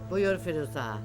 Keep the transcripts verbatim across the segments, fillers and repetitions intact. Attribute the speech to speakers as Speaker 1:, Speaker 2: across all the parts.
Speaker 1: Buyur Firuze ağa.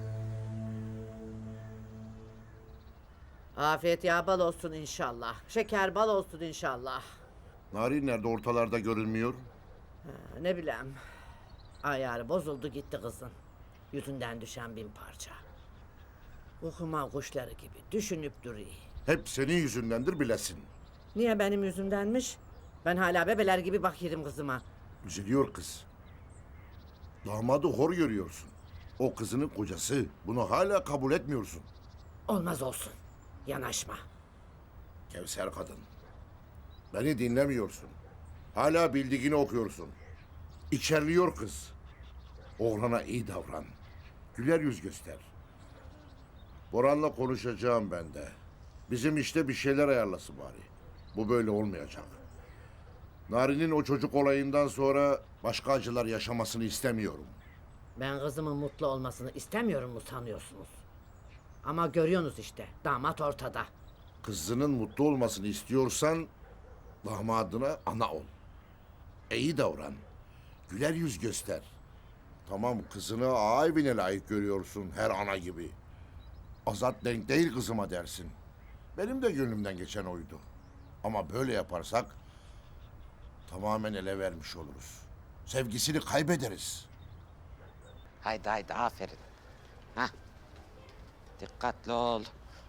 Speaker 1: Afiyet yağ bal olsun inşallah. Şeker bal olsun inşallah.
Speaker 2: Narin nerede, ortalarda görünmüyor?
Speaker 1: Ha, ne bileyim. Ayarı bozuldu gitti kızın. Yüzünden düşen bin parça. Okuma kuşları gibi düşünüp duruyor.
Speaker 2: Hep senin yüzündendir bilesin.
Speaker 1: Niye benim yüzümdenmiş? Ben hala bebeler gibi bakıyorum kızıma.
Speaker 2: Üzülüyor kız. Damadı hor görüyorsun. O kızının kocası. Bunu hala kabul etmiyorsun.
Speaker 1: Olmaz olsun. Yanaşma.
Speaker 2: Kevser kadın. Beni dinlemiyorsun. Hala bildiğini okuyorsun. İçerliyor kız. Oğlana iyi davran. Güler yüz göster. Boran'la konuşacağım ben de. Bizim işte bir şeyler ayarlasın bari. Bu böyle olmayacak. Narin'in o çocuk olayından sonra başka acılar yaşamasını istemiyorum.
Speaker 1: Ben kızımın mutlu olmasını istemiyorum mu sanıyorsunuz? Ama görüyorsunuz işte damat ortada.
Speaker 2: Kızının mutlu olmasını istiyorsan damadına ana ol. İyi davran. Güler yüz göster. Tamam, kızını ağa evine layık görüyorsun her ana gibi. Azat denk değil kızıma dersin. Benim de gönlümden geçen oydu. Ama böyle yaparsak tamamen ele vermiş oluruz. Sevgisini kaybederiz.
Speaker 3: Haydi haydi aferin. Hah. Dikkatli ol.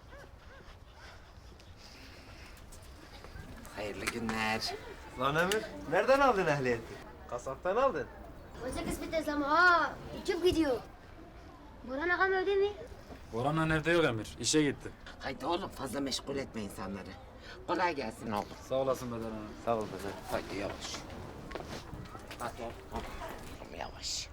Speaker 3: Hayırlı günler.
Speaker 4: Lan Emir, nereden aldın ehliyeti? Kasaptan aldın.
Speaker 5: Oysa kısmet ama ha, uçup gidiyor. Burhan ağam öyle mi?
Speaker 6: Orhan'la evde yok Emir. İşe gitti.
Speaker 3: Haydi oğlum fazla meşgul etme insanları. Kolay gelsin oğlum.
Speaker 6: Sağ olasın Beden Hanım.
Speaker 4: Sağ ol baba.
Speaker 3: Haydi yavaş. Hadi oğlum. Oğlum yavaş.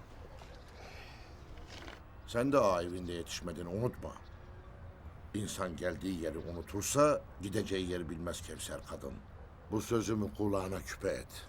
Speaker 2: Sen de ağa evinde yetişmedin, unutma. İnsan geldiği yeri unutursa gideceği yeri bilmez Kevser kadın. Bu sözümü kulağına küpe et.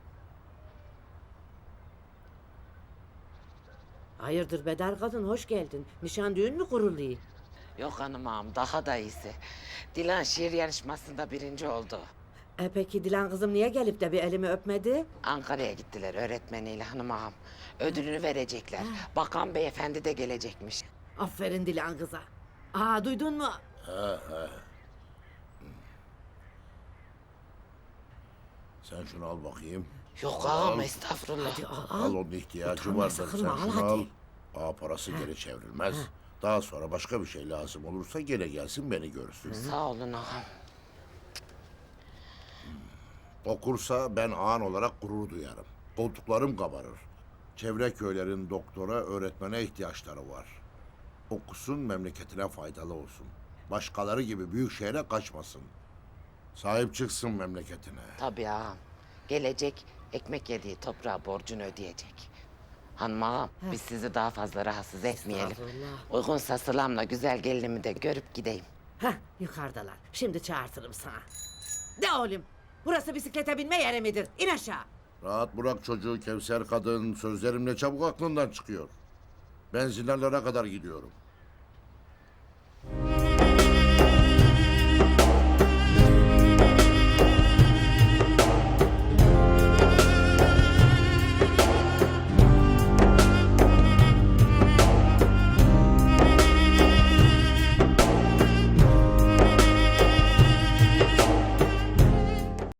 Speaker 1: Hayırdır Bedar kadın hoş geldin. Nişan düğün mü kuruluyor?
Speaker 3: Yok hanım ağam daha da iyisi. Dilan şiir yarışmasında birinci oldu.
Speaker 1: E peki Dilan kızım niye gelip de bir elimi öpmedi?
Speaker 3: Ankara'ya gittiler öğretmeniyle hanım ağam. Ödülünü verecekler. Bakan beyefendi de gelecekmiş.
Speaker 1: Aferin Dilan kıza. Aa duydun mu?
Speaker 2: Sen şunu al bakayım.
Speaker 3: Yok ağam estağfurullah.
Speaker 1: Hadi al al.
Speaker 2: Al, onun ihtiyacı
Speaker 1: Utanma,
Speaker 2: vardır. Sen
Speaker 1: sakınma, al
Speaker 2: şunu al.
Speaker 1: hadi.
Speaker 2: Ağa parası geri çevrilmez. Daha sonra başka bir şey lazım olursa gene gelsin beni görsün.
Speaker 3: Sağ olun ağam.
Speaker 2: Okursa ben ağan olarak gurur duyarım. Koltuklarım kabarır. Çevre köylerin doktora, öğretmene ihtiyaçları var. Okusun, memleketine faydalı olsun. Başkaları gibi büyük şehre kaçmasın. Sahip çıksın memleketine.
Speaker 3: Tabii ağam. Gelecek ekmek yediği toprağa borcunu ödeyecek. Hanım ağam biz sizi daha fazla rahatsız etmeyelim.
Speaker 1: Estağfurullah.
Speaker 3: Uygunsa sılamla güzel gelinimi de görüp gideyim.
Speaker 1: Heh yukarıdalar. Şimdi çağırtırım sana. De oğlum. Burası bisiklete binme yeri midir? İn aşağı.
Speaker 2: Rahat bırak çocuğu Kevser kadın. Sözlerimle çabuk aklından çıkıyor. Ben zinarlara kadar gidiyorum.